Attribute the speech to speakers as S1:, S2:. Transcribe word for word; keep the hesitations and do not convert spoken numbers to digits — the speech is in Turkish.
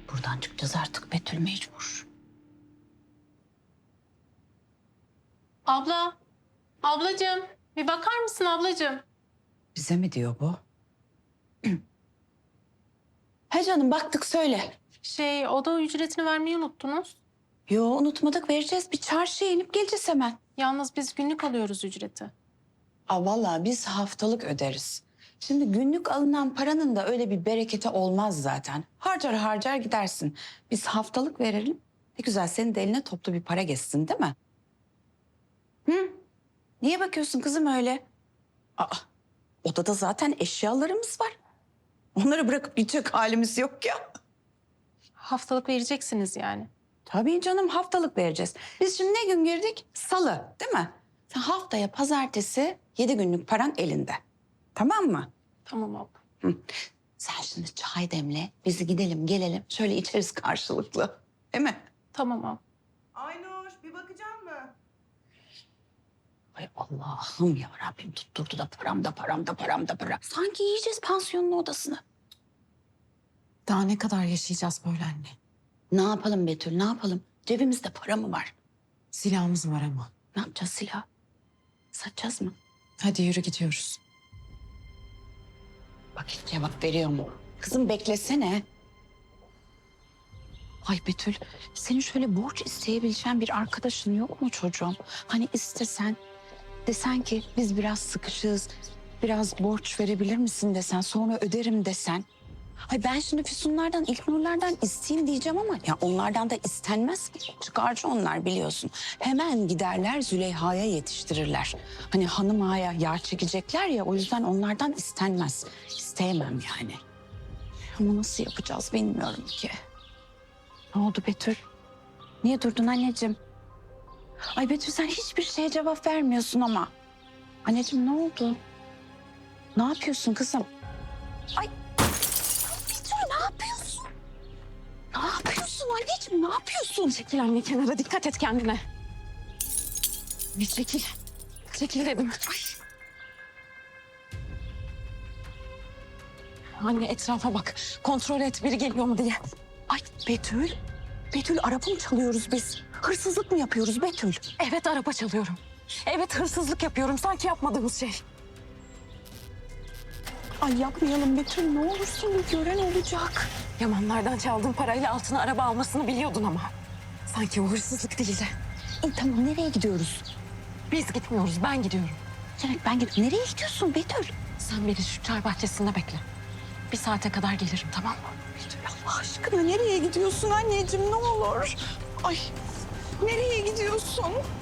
S1: Buradan çıkacağız artık Betül, mecbur.
S2: Abla, ablacığım bir bakar mısın ablacığım?
S1: Bize mi diyor bu? He canım, baktık, söyle.
S2: Şey, oda ücretini vermeyi unuttunuz.
S1: Yo, unutmadık, vereceğiz. Bir çarşıya inip geleceğiz hemen.
S2: Yalnız biz günlük alıyoruz ücreti.
S1: Aa, vallahi biz haftalık öderiz. Şimdi günlük alınan paranın da öyle bir bereketi olmaz zaten. Harcar harcar gidersin. Biz haftalık verelim. Ne güzel, senin de eline toplu bir para geçsin, değil mi? Hı? Niye bakıyorsun kızım öyle? Aa, odada zaten eşyalarımız var. Onları bırakıp gidecek halimiz yok ya.
S2: Haftalık vereceksiniz yani.
S1: Tabii canım, haftalık vereceğiz. Biz şimdi ne gün girdik? Salı, değil mi? Sen haftaya pazartesi yedi günlük paran elinde. Tamam mı?
S2: Tamam abla.
S1: Hı. Sen şimdi çay demle, bizi gidelim gelelim. Şöyle içeriz karşılıklı. Değil mi?
S2: Tamam abla.
S3: Aynur bir bakacak mı?
S1: Ay Allah'ım ya Rabbim, tutturdu da param da param da param da para. Sanki yiyeceğiz pansiyonun odasını.
S4: Daha ne kadar yaşayacağız böyle anne?
S1: Ne yapalım Betül, ne yapalım? Cebimizde para mı var?
S4: Silahımız var ama.
S1: Ne yapacağız silah? Satacağız mı?
S4: Hadi yürü gidiyoruz.
S1: Bak hiç cevap veriyor mu? Kızım beklesene. Ay Betül, senin şöyle borç isteyebileceğin bir arkadaşın yok mu çocuğum? Hani istesen, desen ki biz biraz sıkışığız, biraz borç verebilir misin desen, sonra öderim desen. Ay ben şimdi Füsunlardan, İlknurlardan isteyeyim diyeceğim ama ya onlardan da istenmez ki. Çıkarcı onlar, biliyorsun. Hemen giderler Züleyha'ya yetiştirirler. Hani hanım ağaya yağ çekecekler ya, o yüzden onlardan istenmez. İsteyemem yani. Ama nasıl yapacağız bilmiyorum ki. Ne oldu Betül? Niye durdun anneciğim? Ay Betül, sen hiçbir şeye cevap vermiyorsun ama. Anneciğim ne oldu? Ne yapıyorsun kızım? Ay Betül, ne yapıyorsun? Ne yapıyorsun anneciğim, ne yapıyorsun?
S4: Çekil anne kenara, dikkat et kendine. Bir çekil. Çekil dedim. Ay. Anne etrafa bak. Kontrol et biri geliyor mu diye.
S1: Ay Betül, Betül araba mı çalıyoruz biz? Hırsızlık mı yapıyoruz Betül?
S4: Evet araba çalıyorum. Evet hırsızlık yapıyorum. Sanki yapmadığımız şey.
S1: Ay yapmayalım Betül, ne olursun, bir gören olacak.
S4: Yamanlardan çaldığım parayla altına araba almasını biliyordun ama. Sanki o hırsızlık değildi.
S1: İyi tamam, nereye gidiyoruz?
S4: Biz gitmiyoruz, ben gidiyorum.
S1: Canet ben gidiyorum. Nereye gidiyorsun Betül?
S4: Sen beni şu çay bahçesinde bekle. Bir saate kadar gelirim, tamam mı?
S1: Betül Allah aşkına nereye gidiyorsun anneciğim, ne olur? Ay nereye gidiyorsun?